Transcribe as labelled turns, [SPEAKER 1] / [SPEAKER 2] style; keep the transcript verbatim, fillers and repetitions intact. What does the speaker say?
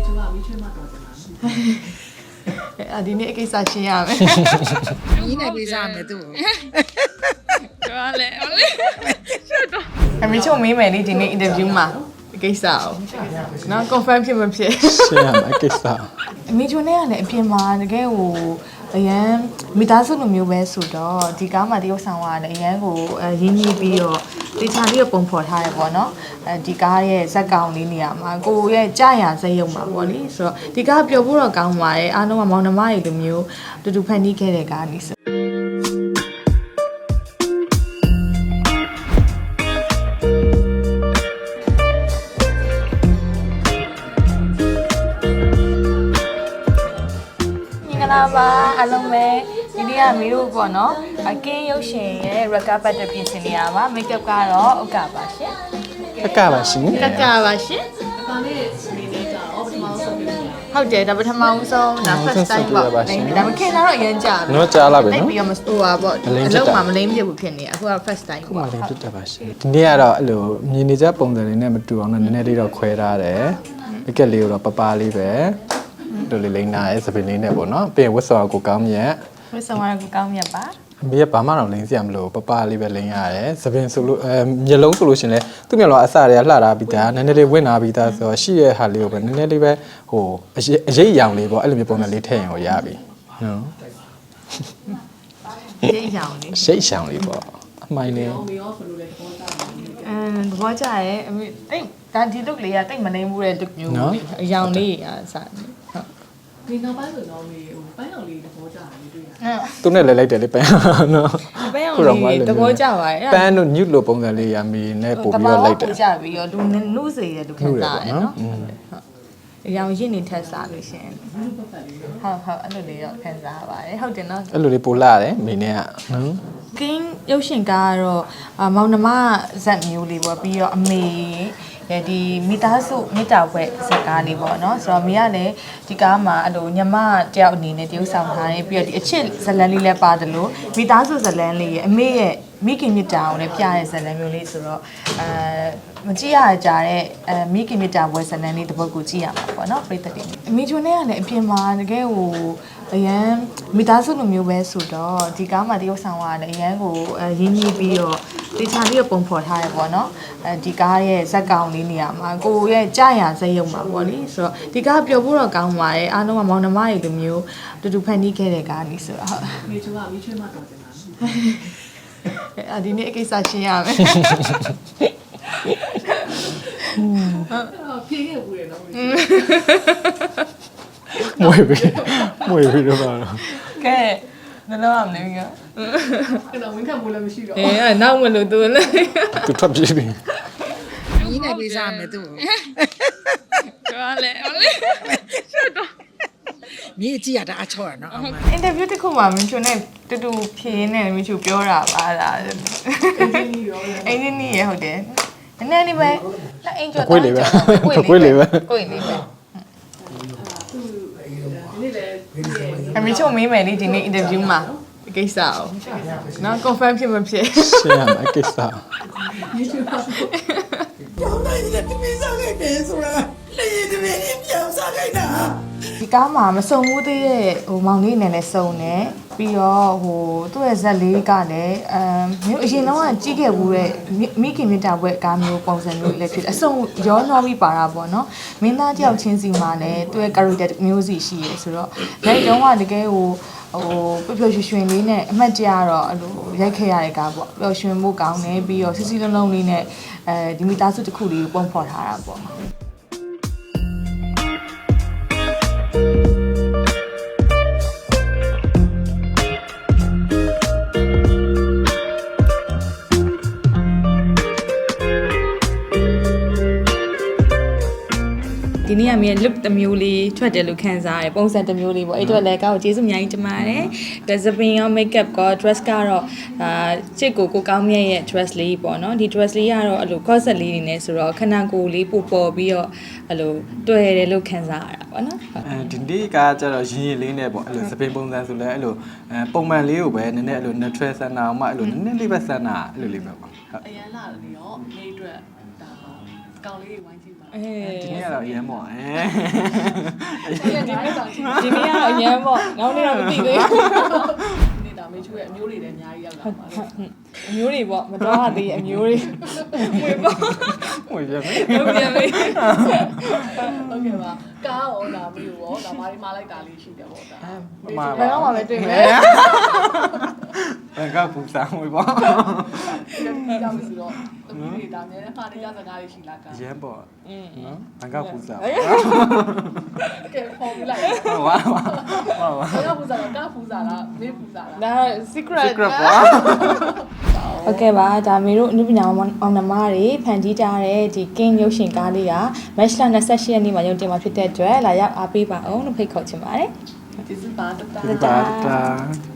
[SPEAKER 1] 就话没去嘛多的嘛。
[SPEAKER 2] 啊，ဒီနေ့အကိစ္စရှင်းရမယ်
[SPEAKER 3] ။ညီနဲ့ပေးစားမယ်သူ့။
[SPEAKER 4] ပြောလဲဟုတ်လေရှက်တော့
[SPEAKER 2] အမေချုံမေးမယ်လေဒီနေ့ interview မှာအကိစ္စအောင်နော် confirm ဖြစ်မဖြစ်
[SPEAKER 5] ရှင်းရမယ်ကိစ္စ
[SPEAKER 2] အမေချုံနဲ့ကလည်းအပြင်မှာတကယ်ဟိုအရန်မိသားစုလိုမျိုးပဲဆိုတော့ဒီကားမှာတရုပ်ဆောင်ကလည်းအရန်ကိုရင်းနှီးပြီးတော့တေချာပြီးတော့ပုံဖော်ထားရပေါ့နော်အဲဒီကားရဲ့ဇက်ကောင်လေးနေရာမှာကိုရဲ့ကြာရဇက်ရုံမှာပေါ့လေဆိုတော့ဒီကားပျော်ဖို့တော့ကောင်းပါတယ်အားလုံးကမောင်နှမတွေလိုမျိုးတူတူဖန်တီးခဲ့တဲ့ကားလေးဆိုလာပါအားလုံးပဲဒီနေ့ကမီတို့ပေါ့နော်အကင်းရုပ်ရှင်ရဲ့ record battle ပြင်ဆင်နေရပါ make up ကတော့ဥက္ကပါရှင်
[SPEAKER 5] ကကပါရှင်
[SPEAKER 2] ကကပါရှင်
[SPEAKER 1] အပါလေးနေနေကြတော့ပထမဆုံးပြီး
[SPEAKER 2] ဟုတ်တယ်ဒါပထမဦးဆုံးဒါ first time ပေါ့ဒါပေမဲ့ခင်လာတော့အရင်ကြာပြီ
[SPEAKER 5] နော်ကြားလာပြီနော်
[SPEAKER 2] ပြီးတော့မဟိုပါပေါ့အလုံးမှာမလိမ့်ပြဘူးဖြစ်နေအခုက first time
[SPEAKER 5] ခုမှ
[SPEAKER 2] ပေါ့
[SPEAKER 5] လည်းဖြစ်တတ်ပါရှင်ဒီနေ့ကတော့အဲ့လိုမြင်နေကြပုံစံလေးနဲ့မတူအောင်တော့နည်းနည်းလေးတော့ခွဲထားတယ်ပကက်လေးကိုတော့ပပလေးပဲတို့လေးလိမ့်နာရဲ့စပင်လေးနဲ့ပေါ့နော်ပြီးရင်ဝတ်စောကိုကောင်းမြတ်
[SPEAKER 2] ဝတ်ဆောင်ရကိုကောင်းမြတ်ပါ
[SPEAKER 5] အမေကဘာမှတော့လိမ့်စရာမလိုပပလေးပဲလိမ့်ရတယ်စပင်ဆိုလို့အဲမျက်လုံးဆိုလို့ရှင်လဲသူ့မျက်လုံးအစတွေကလှတာပြီးသားနည်းနည်းလေးဝင်လာပြီးသားဆိုတော့ရှိရဲ့ဟာလေးကိုပဲနည်းနည်းလေးပဲဟိုအရေးအယောင်လေးပေါ့အဲ့လိုမျိုးပုံစံလေးထည့်ရင်ကိုရပြီနော်
[SPEAKER 2] ရှေ့ရောင်လေး
[SPEAKER 5] ရှိတ်ရှောင်လေးပေါ့အမိုင်းလေး
[SPEAKER 1] တော့မေရောဘယ်လိုလဲပေါ်တာလဲ
[SPEAKER 2] အမ်သဘောကျရဲ့အမေတိတ်ဒါဒီ look လေးကတိတ်မနေဘူးတဲ့ look မျိုးအယောင်လေးအစားဟုတ်
[SPEAKER 1] ဒီနောက်ပိုင်းဆိုတော့မေဟိုပန်းအောင်လေးသဘောကျတယ်တွေ့ရ
[SPEAKER 2] အဲ့
[SPEAKER 5] သူနဲ့လည်းလိုက်တယ်လေပန်းနော်
[SPEAKER 2] ဘယ်အောင်လဲသဘောကျပါရဲ့
[SPEAKER 5] ပန်းတို့ညွတ်လို့ပုံစံလေးရမီနဲ့ပို့ပြီးတော့လိုက်တယ်
[SPEAKER 2] တကြပြီးတော့လူနုစေရလူခံစားရနော်ဟုတ်အရောင်ရင့်နေထက်စားလို့ရှင်ဟုတ်ဟုတ်အဲ့လိုလေးတော့ခံစားပါတယ်ဟုတ်တယ်နော်
[SPEAKER 5] အဲ့လိုလေးပို့လာတယ်မိနဲ့ကနော်
[SPEAKER 2] ကင်းရုပ်ရှင်ကားကတော့မောင်နှမဇက်မျိုးလေးပေါ့ပြီးတော့အမေဒီမိသားစုမိသားဘွဲ့ဇက်ကားလေးပေါ့နော်ဆိုတော့မိကလည်းဒီကားမှာအဲ့လိုညမတယောက်အနေနဲ့တရုပ်ဆောင်ထားတယ်ပြီးတော့ဒီအချစ်ဇလန်းလေးလည်းပါတယ်လို့မိသားစုဇလန်းလေးရဲ့အမေရဲ့မိခင်မြတ်တာကိုလည်းပြတဲ့ဇလန်းမျိုးလေးဆိုတော့အဲမကြည့်ရကြတဲ့အဲမိခင်မြတ်တာဘွဲ့ဇလန်းလေးတစ်ပုဒ်ကိုကြည့်ရမှာပေါ့နော်ပရိသတ်တွေအမေချိုနဲ့ကလည်းအပြင်မှာတကယ်ဟိုအရန်မိသားစုလိုမျိုးပဲဆိုတော့ဒီကားမှာတရုပ်ဆောင်ကလည်းအရန်ကိုရင်းနှီးပြီးတော့တေချာပြီးတော့ပုံဖော်ထားရပေါ့နော်အဲဒီကားရဲ့ဇက်ကောင်လေးနေရာမှာကိုရဲ့ကြာရဇက်ရုံမှာပေါ့လေဆိုတော့ဒီကားပျော်ဖို့တော့ကောင်းပါတယ်အားလုံးကမောင်နှမတွေလိုမျိုးတူတူဖန်တီးခဲ့တဲ့ကားလေးဆိုတော့ဟုတ်
[SPEAKER 1] မေ就话没去嘛多的嘛。
[SPEAKER 2] အာဒီနေ့အကိစ္စရှင်းရမယ်
[SPEAKER 1] 啊，偏也不会了。
[SPEAKER 5] မွေပြီးမွေပြီးတော့ပါတော့
[SPEAKER 2] ကဲဘယ်လိုအောင်လဲက
[SPEAKER 1] 看到没看不了没去了。
[SPEAKER 2] အေးအဲ့နောက်မလို့သူလည်း
[SPEAKER 5] သူထွက်ပြေးပြီ
[SPEAKER 3] ။ညီနဲ့ပေးစားမယ်သူ့
[SPEAKER 4] ပြောလဲဟုတ်လေရှက်တော့
[SPEAKER 3] ။မြေကြည့်ရတာအချော့ရနော်အမ
[SPEAKER 2] အင်တာဗျူးတစ်ခုမှာမင်းချိုနဲ့တူတူဖြေနေတယ်မင်းချိုပြောတာပါလား
[SPEAKER 1] 哎，你有了。
[SPEAKER 2] အင်းကြီးနီးရဟုတ်တယ်နည်းနည်းလေးပဲလက်အင်ကျော်
[SPEAKER 5] ကိုယ်လေးပဲ
[SPEAKER 2] ကိုယ်လေးပဲကိုယ်လေးပဲ
[SPEAKER 1] 你来。
[SPEAKER 2] အမေချုံမေးမယ်လေဒီနေ့ interview မှာဒီကိစ္စအောင်နော် confirm ဖြစ်မဖြစ်
[SPEAKER 5] ရှင်းရမယ်ကိစ္စ
[SPEAKER 1] 没去嘛。
[SPEAKER 3] ပြောင်းလိုက်တဲ့တမင်းစားခဲ့တယ်ဆိုတာလေရင်တမင်းပြောင်းစားခဲ့တာ
[SPEAKER 2] ဒီကားမှာမစုံဘူးသေးရဲ့ဟိုမောင်လေးနဲ့လည်းစုံတယ်ပြီးတော့ဟိုသူ့ရဲ့ဇက်လေးကလည်းအမ်မျိုးအရင်တော့ကကြီးခဲ့ဘူးတဲ့မိခင်မြတ်တာဘွဲ့ကားမျိုးပုံစံမျိုးလည်းဖြစ်အစုံရောနှောပြီးပါတာပေါ့နော်မင်းသားတယောက်ချင်းစီမှာလည်းသူ့ရဲ့ character မျိုးစီရှိရဲဆိုတော့လက်တုံးကတကယ်ဟိုဟိုပျော်ပျော်ရွှင်ရွှင်လေးနဲ့အမှတ်တရတော့အဲ့လိုရိုက်ခဲ့ရတဲ့ကားပေါ့ပျော်ရွှင်မှုကောင်းတယ်ပြီးတော့စီစီလုံးလုံးလေးနဲ့အဲဒီမိသားစုတစ်ခုလေးကိုပုံဖော်ထားတာပေါ့ ဒီနေ့ကမြေ look တစ်မျိုးလေးထွက်တယ်လို့ခံစားရတယ်ပုံစံတစ်မျိုးလေးပေါ့အဲ့တော့လည်းကောက်ကျေးဇူးအများကြီးတင်ပါတယ်ဒါစပင်ရော makeup ကော dress ကတော့အာချစ်ကိုကိုကောင်းမြတ်ရဲ့ dress လေးပေါ့နော်ဒီ dress လေးကတော့အဲ့လို corset လေးနေနေဆိုတော့ခဏကိုယ်လေးပို့ပေါ်ပြီးတော့အဲ့လိုတွေ့ရတယ်လို့ခံစားရတာပေါ့နော်
[SPEAKER 5] အဲဒီနေ့ကကျတော့ရင်းရင်းလေးနဲ့ပေါ့အဲ့လိုစပင်ပုံစံဆိုလဲအဲ့လိုအဲပုံမှန်လေးကိုပဲနည်းနည်းအဲ့လို natural ဆန္ဒအောင်မှအဲ့လိုနည်းနည်းလေးပဲဆန္ဒအဲ့လိုလေးပဲပေါ့ဟုတ်
[SPEAKER 1] အရန်လာတယ်ရောနေအတွက်ဒါကောင်းလေးဝိုင်းကြည့်ပါ
[SPEAKER 2] အေး
[SPEAKER 5] ဒီနေ့ကတော့အရင်ပေါ့အဲ
[SPEAKER 1] ဒီနေ့ကတော့ဒီ
[SPEAKER 2] ဒီနေ့ကတော့အရန်ပေါ့နောက်နေ့တော့မသိသေးဘူး
[SPEAKER 1] နေ့ဒါမေချိုးရဲ့အမျိုးတွေလည်းအများကြီးရောက်လာပါလေ
[SPEAKER 2] အမျိုးတွေပေါ့မတော်ရသေးအမျိုးတွေဝေပေါ့
[SPEAKER 5] ဟိုရမယ်
[SPEAKER 2] ဟုတ်ပြန်ပြီ
[SPEAKER 1] ဟုတ်ကဲ့ပါကားရောဒါမျိုးရောဒါမာရီမာလိုက်တာလေးရှိတယ်ပေါ့ဒါ
[SPEAKER 5] မှာ
[SPEAKER 2] ဘယ်တော့မှပဲတွေ့မယ်
[SPEAKER 5] ဘယ်ကပူစားမွေးပေါ့
[SPEAKER 1] ဒီကြောင့်ဆိုတော့တမီးတွေဒါနဲ့ခါနေကြစကားလေးရှိလားကား
[SPEAKER 5] အရင်ပေါ့
[SPEAKER 2] อืม
[SPEAKER 5] နော်ဘယ်ကပူစား
[SPEAKER 1] ကဲဖော်ပြလိုက်
[SPEAKER 5] ဝါဝါဝါဝါ
[SPEAKER 1] ကားပူစားတော့ကားပူစားလားမေးပူစားလား
[SPEAKER 2] ဒါ secret
[SPEAKER 5] secret ပေါ့
[SPEAKER 2] ဟုတ်ကဲ့ပါဒါမေတို့အနုပညာအောင်နှမတွေဖန်တီးကြတဲ့ဒီ King ရုပ်ရှင်ကားလေးက March ၂၈ရက်နေ့မှာရုံတင်မှာဖြစ်တဲ့အတွက်လာရောက်အားပေးပါအောင်လို့ဖိတ်ခေါ်ချင်ပါတယ်
[SPEAKER 1] ကျေးဇူးပါတတာ
[SPEAKER 5] တာတာ